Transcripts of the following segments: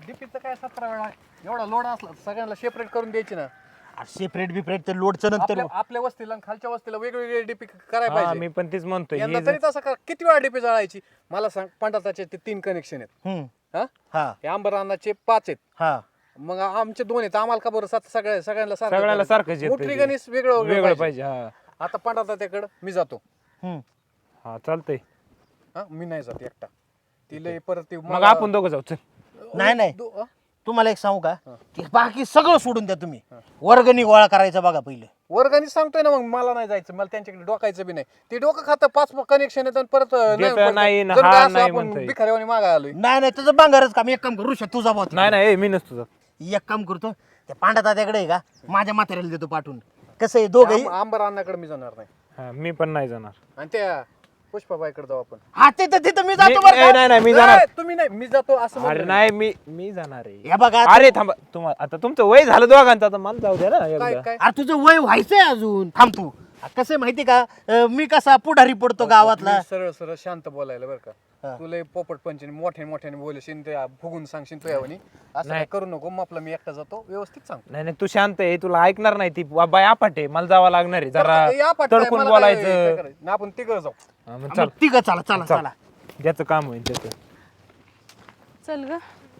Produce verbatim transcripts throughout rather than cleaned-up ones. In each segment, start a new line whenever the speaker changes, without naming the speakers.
डीपीचं काय सतरा वेळा एवढा लोड असला तर सगळ्यांना सेपरेट करून द्यायची ना.
सेपरेट बिपरेट तर लोडचं नंतर
आपल्या आपल्या वस्तीला आणि खालच्या वस्तीला वेगवेगळे डीपी करायला
हा,
पाहिजे.
मी पण तेच म्हणतोय
यंदा
हे
तरी तसं करा. किती वेळा डीपी जळायची मला सांग. पंडाताचे ते तीन कनेक्शन आहेत.
हम्म.
हा
हा
हे आंबरानाचे पाच आहेत.
हा
मग आमचे दोन आहेत. आम्हाला का बरं सात सगळ्या सगळ्यांना सारखं
सगळ्याला
करायचं?
सारखंच येतं
मोटरी
ते.
गणेश वेगळं
वेगळं पाहिजे. हा
आता पंडाताच्याकडं मी जातो.
हम्म.
हा चालतंय.
हा मी नाही जात एकटा. ती लय परत ती
मग आपण दोघं जाऊ चल.
नाही, नाही.
दो- हा?
तुम्हाला एक सांगू का ते बाकी सगळं सोडून द्या तुम्ही. वर्गणी गोळा करायचा बघा पहिले.
वर्गाने सांगतोय ना. मग मला नाही जायचं. मला त्यांच्याकडे डोकायचं बी नाही. ते डोकं खातं पाच कनेक्शन येतं आणि परत नाही
देतं
पडतं.
नाही ना,
जणू
हा
काय असं
नाही
आपण
म्हणतोय.
भिकाऱ्यावानी मागा आलोय.
नाही नाही तुझं बांगारच काम एक काम करू शकतो तुझा भाऊ
नाही नाही ए, मी नसतो जात.
एक काम करतो त्या पांडा दाद्याकडे आहे का माझ्या म्हाताऱ्याला देतो पाठवून. कसं आहे दोघंही
आंब- आंबर अण्णाकडे मी जाणार नाही.
हा, मी पण नाही जाणार.
आणि त्या पुष्पाबाईकडे जाऊ आपण.
हा तिथं तिथं मी जातो
मी-
बरं
ए,
का?
नाही नाही मी जाणार.
ए, तुम्ही नाही मी जातो असं
अरे
म्हणलं.
नाही मी मी जाणार आहे.
हे बघा
अरे थांबा तुम्हाला आता तुमचं वय झालं दोघांचं आता मला जाऊ द्या ना
काय
एकदा.
काय
अरे तुझं वय व्हायचंय अजून थांब तू. कसं आहे माहिती का अं, मी कसा पुढारी पडतो गावातला.
मी सरळ सरळ शांत बोलायला बरं
हा.
का. तुला पोपट पंचनी मोठ्याने मोठ्याने बोलशील ते फुगून सांगशील तू यावनी असं काय करू नको. मग आपलं मी एकटा जातो व्यवस्थित सांग.
नाही नाही तू शांत आहे तुला ऐकणार नाही ती बा- बाय आपाटे मला जावं लागणार आहे जरा
या पाठवाय,
तडकून
मला काय- काय
बोलायचं.
करायचं? ना आपण तिघं जाऊ.
हा, मग
मग
चल
तिघं चला चला
चल.
चला.
ज्याचं काम होईल त्याचं.
चल ग.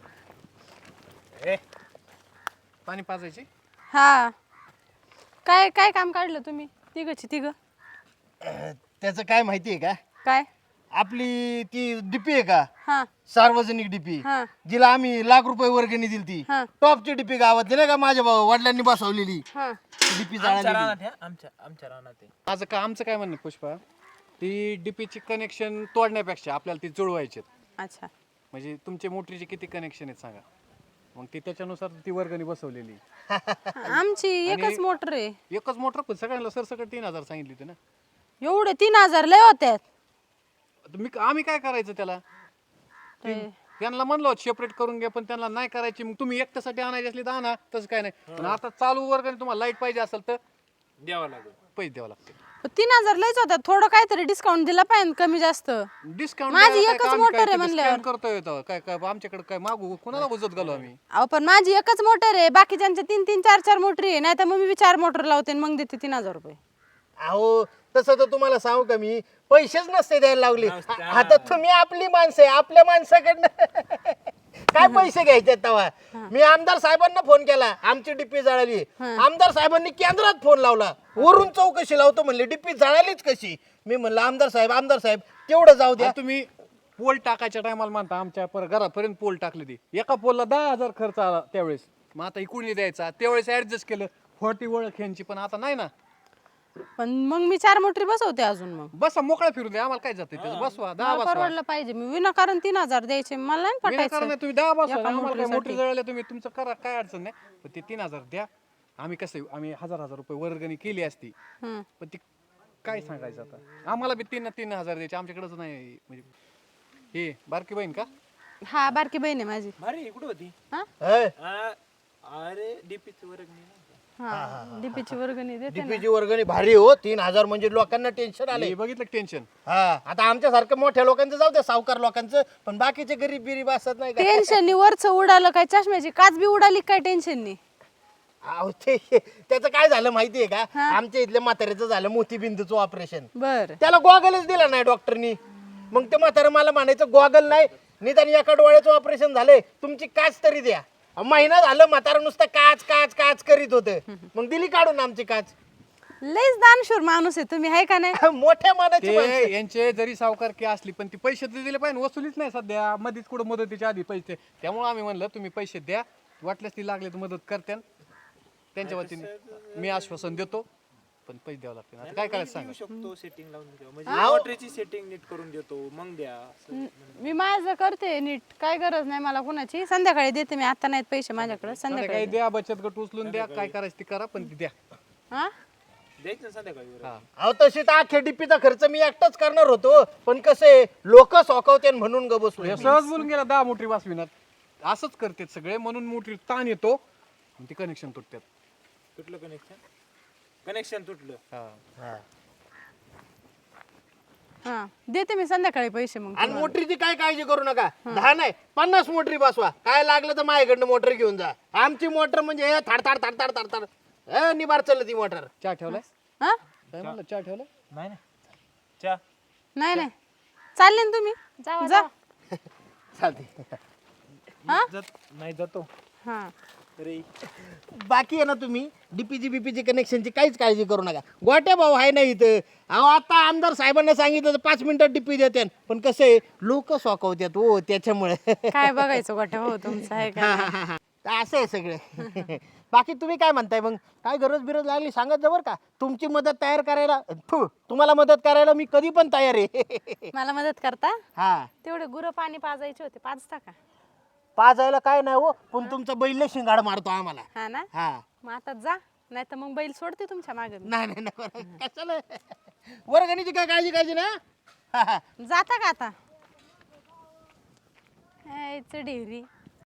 पाणी पाजायची.
हा काय काय काम काढलं तुम्ही तिघची तिघ
अं, त्याचं काय माहिती आहे का
काय
आपली ती डीपी आहे का
हा
सार्वजनिक डीपी
हा
जिला आम्ही लाख रुपये वर्गणी दिली ती
हा.
टॉपची डीपी गावातली नाही का माझ्या भाऊ- वडिलांनी बसवलेली
हा
डीपी जाळलेली.
माझं का आमचं काय म्हणणं आहे, पुष्पा ती डीपीची कनेक्शन तोडण्यापेक्षा आपल्याला ती जुळवायची
अच्छा
म्हणजे तुमच्या मोटरीचे किती कनेक्शन आहेत सांगा. मग ती त्याच्यानुसार ती वर्गणी बसवलेली.
आमची एकच मोटर आहे.
एकच मोटर पण सगळ्यांना सरसकट तीन हजार सांगितली होती ना.
एवढे तीन हजार लय होत्यात.
आता मी आम्ही काय करायचं त्याला.
ते-
त्यांना म्हणलो सेपरेट करून घ्या पण त्यांना नाही करायची. मग तुम्ही एकट्यासाठी आणायची असली तर आणा तसं काय नाही. पण आता चालू वर्गणी तुम्हाला लाईट पाहिजे असेल तर
द्यावं लागेल.
पैसे द्यावं लागते.
पण तीन हजार लयच होत्यात. थोडं काहीतरी डिस्काउंट दिला पाहिजे कमी जास्त.
डिस्काउंट
माझी एकच मोटर आहे म्हणल्यावर.
करतोय तो. काय काय आमच्याकडे काय मागू कोणाला उजत घालू आम्ही.
अहो पण माझी एकच मोटर आहे. बाकीच्यांच्या तीन तीन चार चार मोटरी आहे. नाही तर मग मी चार मोटर लावते आणि मग देते तीन हजार रुपये.
अहो तसं तर तुम्हाला सांगू का मी पैसेच नसते द्यायला लागले. आता तुम्ही आपली माणसं आहे आपल्या माणसाकडनं काय पैसे घ्यायचे तेव्हा. मी आमदार साहेबांना फोन केला आमची डिप्पी जळाली. आमदार साहेबांनी केंद्रात फोन लावला वरून चौकशी लावतो म्हणले डिप्पी जळालीच कशी. मी म्हणलं आमदार साहेब आमदार साहेब तेवढं जाऊ द्या.
आता तुम्ही पोल टाकायच्या टायमाला म्हणता आमच्या पर घरापर्यंत पोल टाकले ती एका पोलला दहा हजार खर्च आला त्यावेळेस. मग आता इकडून द्यायचा त्यावेळेस ऍडजस्ट केलं फोर्टी ओळख यांची. पण आता नाही ना.
पण मग मी चार मोटरी बसवते अजून. मग
बसा मोकळा फिरून द्या आम्हाला काय जाते त्याचं. बसवा दहा
मला
बसवा.
परवडलं पाहिजे. मी विनाकारण तीन हजार द्यायचे मला नाही
विनाकारण
पटायचं.
नाही, तुम्ही दहा बसवा
एका
आम्हाला काय
मोटरीसाठी.
मोटरी जळाल्या तुम्ही तुमचं करा काय अडचण नाही. पण ते तीन हजार द्या. आम्ही कसं आम्ही हजार हजार रुपये वर्गणी केली असती
हं.
पण ती काय सांगायचं आता. आम्हाला बी तीन तीन हजार द्यायचे आमच्याकडेच नाही. म्हणजे हे बारकी बहीण का.
हा बारकी बहीण आहे माझी.
अरे कुठं होती?
हा
अय,
अरे डीपीची वर्गणी
हा डीपीची वर्गणी देते ना.
डीपीची वर्गणी भारी हो. तीन हजार म्हणजे लोकांना टेन्शन आले.
हे बघितलं टेन्शन.
हा आता आमच्यासारखं मोठ्या लोकांचं जाऊ द्या सावकार लोकांचं पण बाकीचे गरीब बिरीब असत नाही का.
टेन्शन वरच उडालं काय चष्म्याची काच बी उडाली काय टेन्शन नाही.
अहो ते त्याचं काय झालं माहितीये का आमच्या इथल्या म्हाताऱ्याचं झालं मोतीबिंदूचं ऑपरेशन.
बर
त्याला गॉगलच दिला नाही डॉक्टरनी. मग ते म्हातारं मला म्हणायचं गॉगल नाही निदान एका डोळ्याचं ऑपरेशन झालंय तुमची काच तरी द्या. महिना झालं म्हातारं नुसतं काच काच काच करीत होतं. मग दिली काढून आमची काच.
लयच दानशूर माणूस आहे तुम्ही आहे का नाही.
मोठ्या मनाची
ते
माणसं.
यांचे जरी सावकारकी असली पण ती पैसे तर दिले पाहिजे. वसुलीच नाही सध्या. मध्येच कुठं मदतीच्या आधी पैसे. त्यामुळे आम्ही म्हणलं तुम्ही पैसे द्या वाटल्यास ती लागले तर मदत करत्यान त्यांच्या वतीने मी आश्वासन देतो. पण पैसे द्यावं लागते. आता काय करायचं सांगा.
शकतो सेटिंग लावून देतो म्हणजे मोटरीची सेटिंग नीट करून देतो मग द्या.
मी माझं करते नीट. काय गरज नाही मला कुणाची. संध्याकाळी देते मी. आता नाहीत पैसे माझ्याकडे.
काही
संध्याकाळी
द्या बचत गट उचलून द्या काय करायचं ती करा पण ती द्या.
हा
द्यायचं संध्याकाळी.
हा
अहो तशी तर अख्ख्या डीपीचा खर्च मी एकटाच करणार होतो पण कसं लोक सोकवते म्हणून ग बसलो.
हे सहज बोलून गेला दहा मोटरी वाचविनात. असंच करतात सगळे म्हणून मोटरी ताण येतो आणि ती कनेक्शन तुटतात.
तुटलं कनेक्शन कनेक्शन तुटलं.
हा
हा.
हा देते मी संध्याकाळी पैसे मग
आणि मोटरीची काय काळजी करू नका दहा नाही पन्नास मोटरी बसवा काय लागलं तर माझ्याकडनं मोटर घेऊन जा आमची मोटर म्हणजे हे थाड थाड थाड थाड थाड थाड हे निबार चाललं ती मोटर
चहा ठेवलाय
हा
काय म्हणलं चहा ठेवलाय
नाही नाही चा
नाही नाही चालले ना तुम्ही
जावा,
जा
चालते
हा
नाही जातो
हा
अरे
बाकी आहे ना तुम्ही डीपीजी बीपीजी कनेक्शनची काहीच काळजी करू नका गोट्या भाऊ आहे ना इथं अहो आता आमदार साहेबांना सांगितलं तर पाच मिनिटात डीपी देते पण कसं आहे लोक सोकवतात हो त्याच्यामुळे
काय बघायचं गोठ्या हो तुमचं आहे का
हा, हा, हा. तर असं आहे सगळं बाकी तुम्ही काय म्हणताय मग काय गरज बिरज लागली सांगत जा बरं का तुमची मदत तयार करायला थू, तुम्हाला मदत करायला मी कधी पण तयार आहे
मला मदत करता
हा
तेवढे गुरं पाणी पाजायचे होते पाजता का
पाजायला काय नाही हो पण तुमचा बैल शिंगाड मारतो आम्हाला
हा ना
हा
मग आता जा नाही तर मग बैल सोडते तुमच्या मागे
नाही नाही नाही बरं. कशाला वर्गणीची काय काळजी काळजी ना हा, हा.
जाता का आता ढेरी